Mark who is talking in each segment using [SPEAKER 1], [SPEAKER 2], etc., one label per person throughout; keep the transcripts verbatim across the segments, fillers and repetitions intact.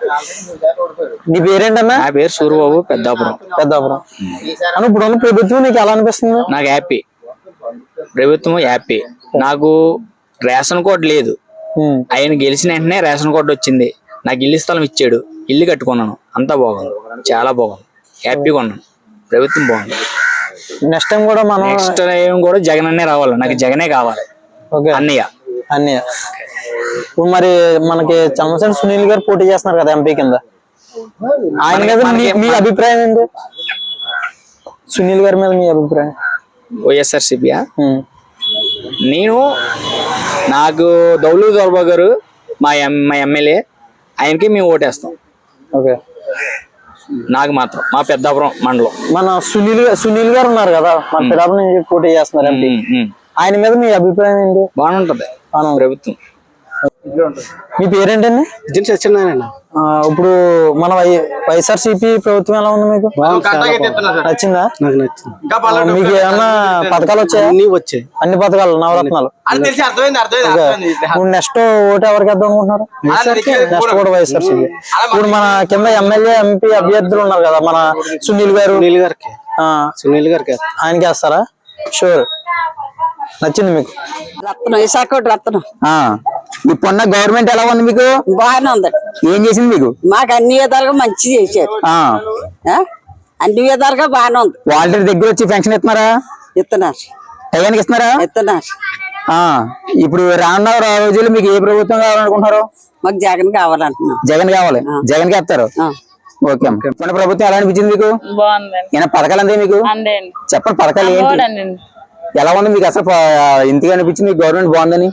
[SPEAKER 1] నీ పేరేంటన్నా?
[SPEAKER 2] నా పేరు సూర్యబాబు, పెద్దాపురం.
[SPEAKER 1] పెద్దాపురం. అన్న ఇప్పుడున్న ప్రభుత్వం నీకు ఎలా అనిపిస్తుంది?
[SPEAKER 2] నాకు హ్యాపీ, ప్రభుత్వం హ్యాపీ. నాకు రేషన్ కార్డు లేదు, ఆయన గెలిచిన వెంటనే రేషన్ కార్డు వచ్చింది, నాకు ఇల్లు స్థలం ఇచ్చాడు, ఇల్లు కట్టుకున్నాను, అంతా బాగుంది, చాలా బాగుంది, హ్యాపీగా ఉన్నాను. ప్రభుత్వం బాగుంది.
[SPEAKER 1] నెక్స్ట్ టైం కూడా మనం
[SPEAKER 2] నెక్స్ట్ టైం కూడా జగన్ అన్నే రావాలి, నాకు జగనే కావాలి. అన్నయ్య
[SPEAKER 1] అన్నయ్య ఇప్పుడు మరి మనకి చంద్రశేఖర్ సునీల్ గారు పోటీ చేస్తున్నారు కదా ఎంపీ కింద, ఆయన మీద మీ అభిప్రాయం ఏంటి? సునీల్ గారి మీద మీ అభిప్రాయం?
[SPEAKER 2] వైఎస్ఆర్సీపీయా? నేను నాకు దౌలు దొరబా గారు మా ఎం మా ఎమ్మెల్యే, ఆయనకి మేము ఓటేస్తాం.
[SPEAKER 1] ఓకే.
[SPEAKER 2] నాకు మాత్రం మా పెద్దాపురం మండలం
[SPEAKER 1] మన సునీల్ సునీల్ గారు ఉన్నారు కదా, మన పెద్దాపురం నుంచి పోటీ చేస్తున్నారు ఎంపీ, ఆయన మీద మీ అభిప్రాయం ఏంటి?
[SPEAKER 2] బాగుంటది ప్రభుత్వం.
[SPEAKER 1] మీ పేరేంటండి?
[SPEAKER 3] సత్యనారాయణ.
[SPEAKER 1] ఇప్పుడు మన వైఎస్ఆర్సీపీ ప్రభుత్వం ఎలా ఉంది మీకు? నచ్చిందా?
[SPEAKER 3] నాకు నచ్చింది.
[SPEAKER 1] మీకు ఏమన్నా పథకాలు వచ్చాయా?
[SPEAKER 3] అన్ని వచ్చాయి,
[SPEAKER 1] అన్ని పథకాలు, నవరత్నాలు. ఇప్పుడు నెక్స్ట్ ఓటు ఎవరికి వేద్దాం అనుకుంటున్నారు? నెక్స్ట్ కూడా వైఎస్ఆర్సీపీ. ఇప్పుడు మన కింద ఎమ్మెల్యే ఎంపీ అభ్యర్థులు ఉన్నారు కదా, మన సునీల్ గారు,
[SPEAKER 3] సునీల్ గారికి సునీల్ గారికి
[SPEAKER 1] ఆయనకి వేస్తారా? షూర్. నచ్చింది మీకు?
[SPEAKER 4] రత్నం, విశాఖ రత్నం.
[SPEAKER 1] ఇప్పుడున్న గవర్నమెంట్ ఎలా ఉంది మీకు?
[SPEAKER 4] బాగానే ఉంది.
[SPEAKER 1] ఏం చేసింది మీకు?
[SPEAKER 4] మాకు అన్ని విధాలుగా మంచి చేశారు, అన్ని విధాలుగా బాగానే ఉంది.
[SPEAKER 1] వాళ్ళ దగ్గర వచ్చి పెన్షన్ ఇస్తున్నారా?
[SPEAKER 4] ఇస్తున్నారు.
[SPEAKER 1] టైంకి ఇస్తున్నారా?
[SPEAKER 4] ఇస్తున్నారు.
[SPEAKER 1] ఇప్పుడు రానున్న రోజులు మీకు ఏ ప్రభుత్వం కావాలనుకుంటున్నారు?
[SPEAKER 4] మాకు జగన్ కావాలంటున్నాం.
[SPEAKER 1] జగన్ కావాలి, జగన్ కి వేస్తారు. ఓకే. మన ప్రభుత్వం ఎలా అనిపించింది మీకు? ఏమైనా పథకాలు అందే మీకు? చెప్పండి, పథకాలు ఏంటి, ఎలా ఉంది మీకు? అసలు ఇంతగా అనిపించింది గవర్నమెంట్ బాగుందని?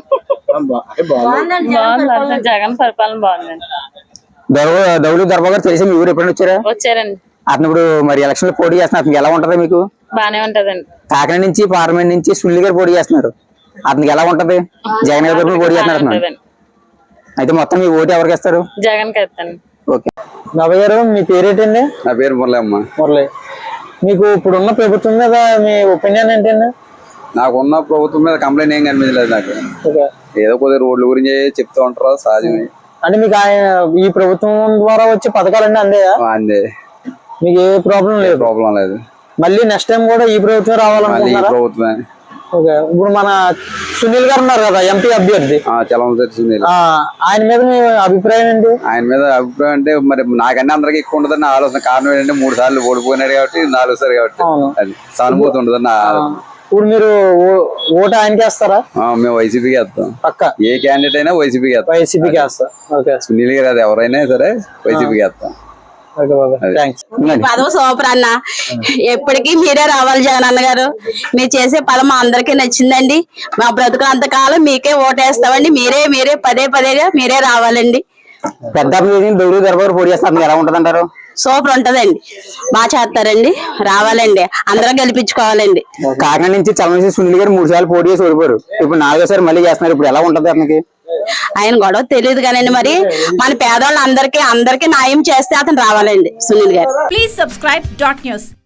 [SPEAKER 5] జగన్ పరిపాలన బాగుందండి.
[SPEAKER 1] దౌలు దర్బా గారు తెలిసి మీ ఊరు ఎప్పుడైనా వచ్చారా?
[SPEAKER 5] వచ్చారండి.
[SPEAKER 1] అతను ఇప్పుడు మరి ఎలక్షన్ లో పోటీ చేస్తున్నారు, అతనికి ఎలా ఉంటది మీకు?
[SPEAKER 5] బానే ఉంటదండి.
[SPEAKER 1] కాకినాడ నుంచి పార్లమెంట్ నుంచి సునీల్ గారు పోటీ చేస్తున్నారు, అతనికి ఎలా ఉంటది? జగన్ గారు పోటీ చేస్తున్నారు. అయితే మొత్తం మీ ఓటు ఎవరికి ఇస్తారు?
[SPEAKER 5] జగన్ కి ఇస్తాను.
[SPEAKER 1] ఓకే. బాబాయ్ గారు మీ పేరేంటండి?
[SPEAKER 6] నా పేరు మురళి అమ్మ.
[SPEAKER 1] మురళి. మీకు ఇప్పుడున్న ప్రభుత్వం మీద మీ ఒపీనియన్ ఏంటండి?
[SPEAKER 6] నాకున్న ప్రభుత్వం మీద కంప్లైంట్ ఏం కనిపించలేదు నాకు. ఏదో కొద్దిగా రోడ్ల గురించి చెప్తూ ఉంటారు, సహజమే.
[SPEAKER 1] అంటే మీకు ఆయన ఈ ప్రభుత్వం ద్వారా వచ్చే పథకాలన్నీ అందేయా?
[SPEAKER 6] అందే.
[SPEAKER 1] మీకు ఏ ప్రాబ్లం లేదు?
[SPEAKER 6] ప్రాబ్లం లేదు.
[SPEAKER 1] మళ్ళీ నెక్స్ట్ టైం కూడా ఈ ప్రభుత్వం రావాలనుకుంటున్నారా?
[SPEAKER 6] ప్రభుత్వమే.
[SPEAKER 1] ఓకే. ఇప్పుడు మన సునీల్ గారు ఉన్నారు కదా ఎంపీ అభ్యర్థి,
[SPEAKER 6] సునీల్,
[SPEAKER 1] ఆయన మీద మీ అభిప్రాయం ఏంటి?
[SPEAKER 6] ఆయన మీద అభిప్రాయం అంటే మరి నాకన్నా అందరికి ఎక్కువ ఉండదని ఆలోచన. కారణం ఏంటంటే మూడు సార్లు ఓడిపోయినాడు కాబట్టి, నాలుగు సార్లు కాబట్టి అది సానుభూతి ఉండదని ఆలోచన.
[SPEAKER 1] ఇప్పుడు మీరు ఓటు ఆయనకి వేస్తారా?
[SPEAKER 6] మేము వైసీపీకి వేస్తాం పక్క. ఏ క్యాండిడేట్ అయినా వైసీపీకి వేస్తాం.
[SPEAKER 1] వైసీపీకి వేస్తాం. ఓకే.
[SPEAKER 6] సునీల్ గారు అది ఎవరైనా సరే వైసీపీకి వేస్తాం.
[SPEAKER 4] పదవ సూపర్ అన్న, ఎప్పటికీ మీరే రావాలి జగన్ అన్న గారు. మీరు చేసే పదం మా అందరికీ నచ్చిందండి. మా బ్రతుకులంత కాలం మీకే ఓటేస్తామండి. మీరే మీరే పదే పదేగా మీరే రావాలండి.
[SPEAKER 1] పెద్ద దౌలు దర్బా పోటీ చేస్తారు, ఎలా ఉంటది అంటారు?
[SPEAKER 4] సూపర్ ఉంటదండి, బాగా చేస్తారండి. రావాలండి, అందరూ గెలిపించుకోవాలండి.
[SPEAKER 1] కాకినాడ నుంచి చంద్రశేఖర్ సునీల్ గారు మూడు సార్లు పోటీ చేసి ఓడిపోయారు, ఇప్పుడు నాలుగోసారి మళ్ళీ చేస్తున్నారు. ఇప్పుడు ఎలా ఉంటది అతనికి?
[SPEAKER 4] ఆయన గొడవ తెలియదు కానండి, మరి మన పేదవాళ్ళందరికీ అందరికీ న్యాయం చేస్తే అతను రావాలండి సునీల్ గారు.
[SPEAKER 7] Please subscribe dot news.